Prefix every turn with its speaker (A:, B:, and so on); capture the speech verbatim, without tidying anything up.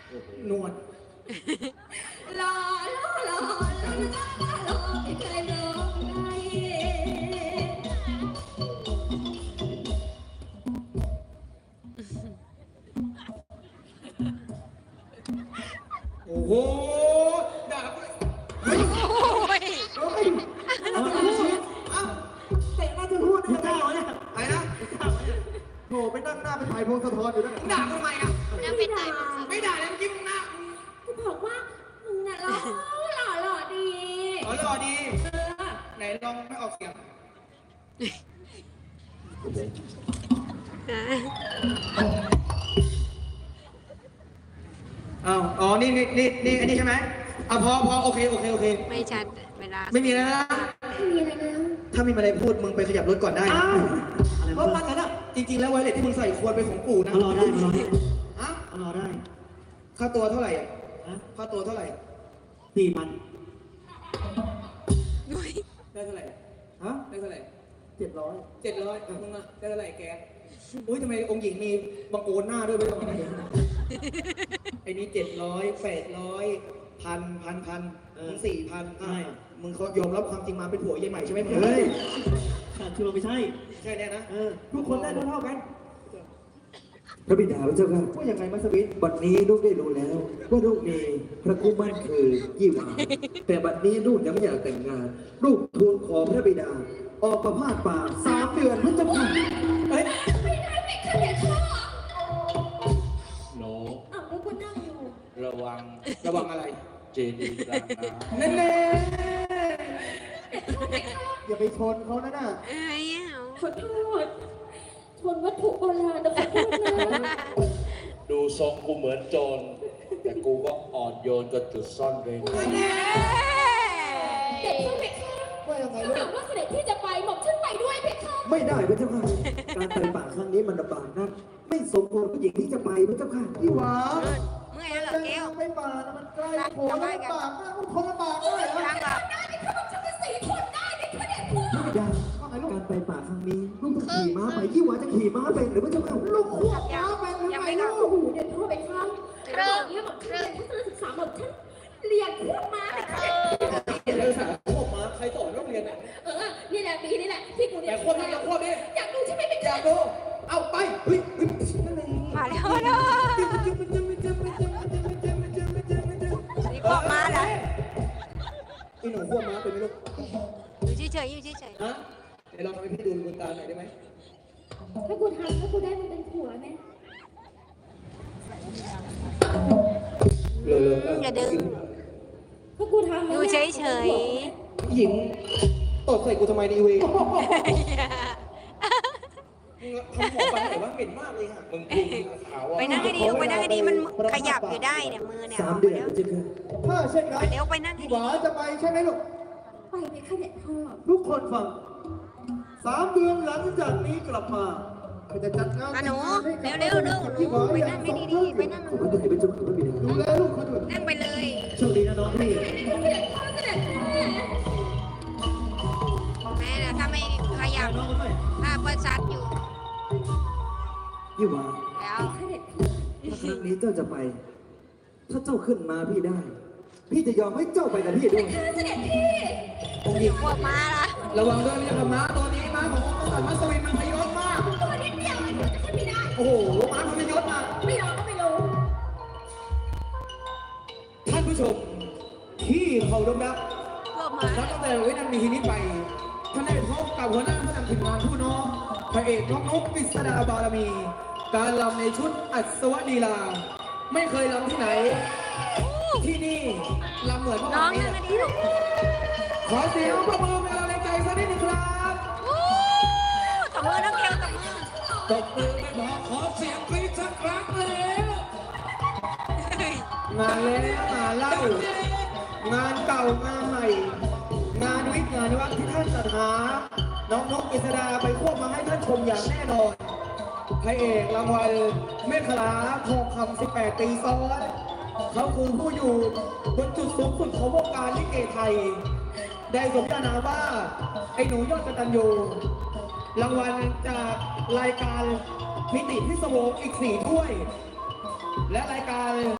A: นวด
B: รอรอรอรอรอไม่เคยร้องไห้
A: โอ้โหด่าเฮ้ย
C: โอ้ย
A: เฮ้ยเอาไปพูดเอ้าเตะหน้าจะพูดได้ยังไงเนี่ยอะไรนะโหไปนั่งหน้าเป็นไผ่พงศธรอยู่นั่นด่าทำไมอ่ะ
C: นั่งเป็นไง
A: ไม่ด่าแล้วเมื่อกี้มึงหน้า
B: จะบอกว่ามึงน่ะหล่อหล่อหล่อดี
A: อ๋อหล่อดีไหนลองไม่ออกเสียงอ้าวอ๋อนี่นี่นี่นี่อันนี้ใช่ไหมอ่ะพอพอโอเคโอเคโอเค
C: ไม่ชัดเวลา
A: ไม่มีแล้วนะ
B: ไม่มีอะไรแล้ว
A: ถ้ามีอะไรพูดมึงไปขยับรถก่อนได้นะ
D: อ้าวอะไร
A: เพราะ
D: วะ
A: มันนั้นอ่ะจริงๆแล้วไวเลสที่มึงใส่ควรเป็นของปู่นะ
D: มารอได้มารอได้
A: ฮะ
D: มารอได้
A: ค่าตัวเท่าไหร่อ่ะ
D: ฮะ
A: ค่าตัวเท่าไหร่
D: สี่พัน
C: อุ้ย
A: ได้เท่าไหร่
D: ฮะ
A: ได้เท่าไหร่
D: เจ็ดร้อย
A: เจ็ดร้อยมึงอ่ะได้เท่าไหร่แกอุ้ยทำไมองค์หญิงมีบังโอนหน้าด้วยไม่ต้องอะไรไอ้นี่เจ็ดร้อยแปดร้อยพันพันพันมึงสี่พันอ่ะมึงเขายอมรับความจริงมาเป็นผัวยายใหม่ใช่ไหม
D: เฮ้ยขาดคือเราไม่ใช่
A: ใช่แน่นะ
D: เออ ทุกคนได้เท่าๆกัน
E: พระบิดาพระเจ้าค่ะ
A: ว่ายังไงมัสวิท
E: บัดนี้ลูกได้รู้แล้ว ว่าลูกมีพระคู่มั่นคือยี่หวาแต่บัดนี้ลูกยังไม่อยากแต่งงาน ลูกทูลขอพระบิดา ออกประพาสป่าสามเดือนพระเจ้าค่ะ
A: เฮ้ย
B: ไม่ได้ไม่เคยเห็นพ่อ
F: หนู
B: อ้าวแล้วกูนั่งอยู่
F: ระวัง
A: ระวังอะไร
F: เจดีย์กลางน้ำ
A: แน่แน่
D: อย่าไปชนเขานะน่ะ
C: เอ้ยเอา
B: ขอโทษชนวัตถุโบราณนะขอโทษนะ
F: ดูทรงกูเหมือนโจร แต่กูก็อ่อนโยนกับจุดซ่อนเร้น
B: เด็กช่วยไหมคะ
D: ว่ายังไง
B: ถ้า
D: ลู
B: หาก กว่าเสด็จที่จะไปหม่อมฉันไปด้วยไหมคะ
E: ไม่ได้พระเจ้าค่ะ การไปป่าครั้งนี้มันลำบากนักไม่สมควรผู้หญิงที่จะไปพระเจ้าค่ะ
D: พี่หวา
C: เมื่อยแล้วเหรอแก้ว
D: ไม่ป่านะมันใกล้โผล่ลำบากนะมันคนลำบากเลยเหรอ
C: ทางแบบ
B: ได้ไหมคะหม่อมฉันเป็นสีทนได้ไหมคะเด็กพ่อ
E: พระบิดาการไปป่าครั้งนี้ลูกต้องขี่ม้าไปยี่หวาจะขี่ม้าเป็นหรือพระเจ้าค่ะ
D: ลูกขวบม้าเป็นหรือ
C: ยัง
D: ไง
C: ไม่กลั
D: ลู
C: บ
D: ก
B: โอ้โหเด็กพ่อไปคะเริ่มเนี่ยหม่อมฉันเรียนทัศนศึกษาหม่อมฉันเรียนพวกม้าไปค่ะเด็ก
A: เรื่องสาวพวกมาใครสอนโรงเรียนอ่ะ
B: เออ นี่แหละปีนี่แหละที่กูเรีย
A: แต่
B: น
A: คนนี้อย่าควบดิ
B: อยากดูใช่ไหมเป็น
A: อยากดูเอาไปเฮ้ยเฮ้ยนั่นเอง
C: มาแล้วมาแล้วนี่พวกมาแล้ว
A: ไอ้หนูควบม้าเป็นไหมลูก
C: อยู่เฉยๆอยู่เฉย
A: ฮะเดี๋ยวลองทำให้พี่ดูบนตาหน่อยได้ไหม
B: ถ้ากูทำถ้ากูได้มันเป็นผัวไหม
A: เร็ว
C: ๆอย่าดึง
B: ถ้ากูทำ
C: อยู่เฉย
A: ผู้หญิงตดใส่กูทำไมดีเว้ย
C: ๆ
A: ทำหัวฟันแต่ว่าเหม็นมากเลยค่ะ
F: มึงพูดขาวว่า
C: ไปนั่งให้ดีไปนั่งให้ดีมันขยับอยู่ได้เนี่ยมือเนี่ย
E: สามเดือนพระเจ้าค่ะ
D: ถ้าเช่นนั้น
C: เดี๋ยวไปนั่งให้
D: พี่ห
C: ดี
D: วาจะไปใช่ไหมลูก
B: ไปไหมคะเด็กพ่อ
D: ทุกคนฟังสามเดือนหลังจากนี้กลับมาก็จะจัดงาน
C: อ่ะหนู
D: แต่งงาน
C: เร็วๆเร็ว
D: พี่หวา
C: ไป
D: อย่า
C: นั่ง
D: ง
C: ให้
D: สม
C: ดีๆไปนั่ง
E: ขอบพระคุณพระเจ้าค่ะพระบิดา
D: ดูแลลูกเขาด้วย
C: นั่งไปเลย
E: โชคดีนะน้องพี่
B: เสด็จพ่อเสด็จแม่
C: แม่นะถ้าไม่ขยับถ้าประชัดอยู่
E: ยี่หวา
C: แล้ว
B: เสด็จพ่อ
E: ถ้าครั้งนี้เจ้าจะไป ถ้าเจ้าขึ้นมาพี่ได้ พี่จะยอมให้เจ้าไปกับพี่ด้วย
B: เสด็จพี่
A: องค์หญิง
C: พวกมาละ
A: ระวังด้วยนะม้าตัวนี้ม้าขององค์กษัตริย์มัสวินมันพยศมาก
B: ตัวนิดเดียวมันจะขึ้นไม่ได้
A: โอ้โหม้ามันพยศมาก
B: ไม่รอก็ไม่รู้
A: ท่านผู้ชมที่เขาดมรัก
C: พวกมา
A: นับตั้งแต่วินาทีนี้ไปท่านได้พบกับหัวหน้าผู้นำทีมงานผู้น้องพระเอกน้องนกปิศดาบารมี การลำในชุดอัศวลีลา ไม่เคยลำที่ไหน ที่นี่ลำเหมือนเมื่อ
C: น้อ
A: วาง นนี้
C: นั่งให้ดีลูก
A: ขอเสียงปรบมือเป็นกำลังใจสักนิดหนึงครับ
C: อู้ตบมือน้องเกลตบมือ
A: ตบมือไม่พอขอเสียงกรี๊ดสักครั้งแล้วงานแล้วงานเล่างานเก่างานใหม่ งานวิทย์งานวัดที่ท่านจัดหา น้องนกอิสดาไปควบมาให้ท่านชมอย่างแน่นอนพระเอกรางวัลเมฆลาทองคำสิบแปดปีซ้อน เขาคือผู้อยู่บนจุดสูงสุดของวงการลิเกไทย ได้สมญานามว่า ไอ้หนูยอดกตัญญูรางวัลจากรายการมิติพิศวงอีกสี่ถ้วย และรายการ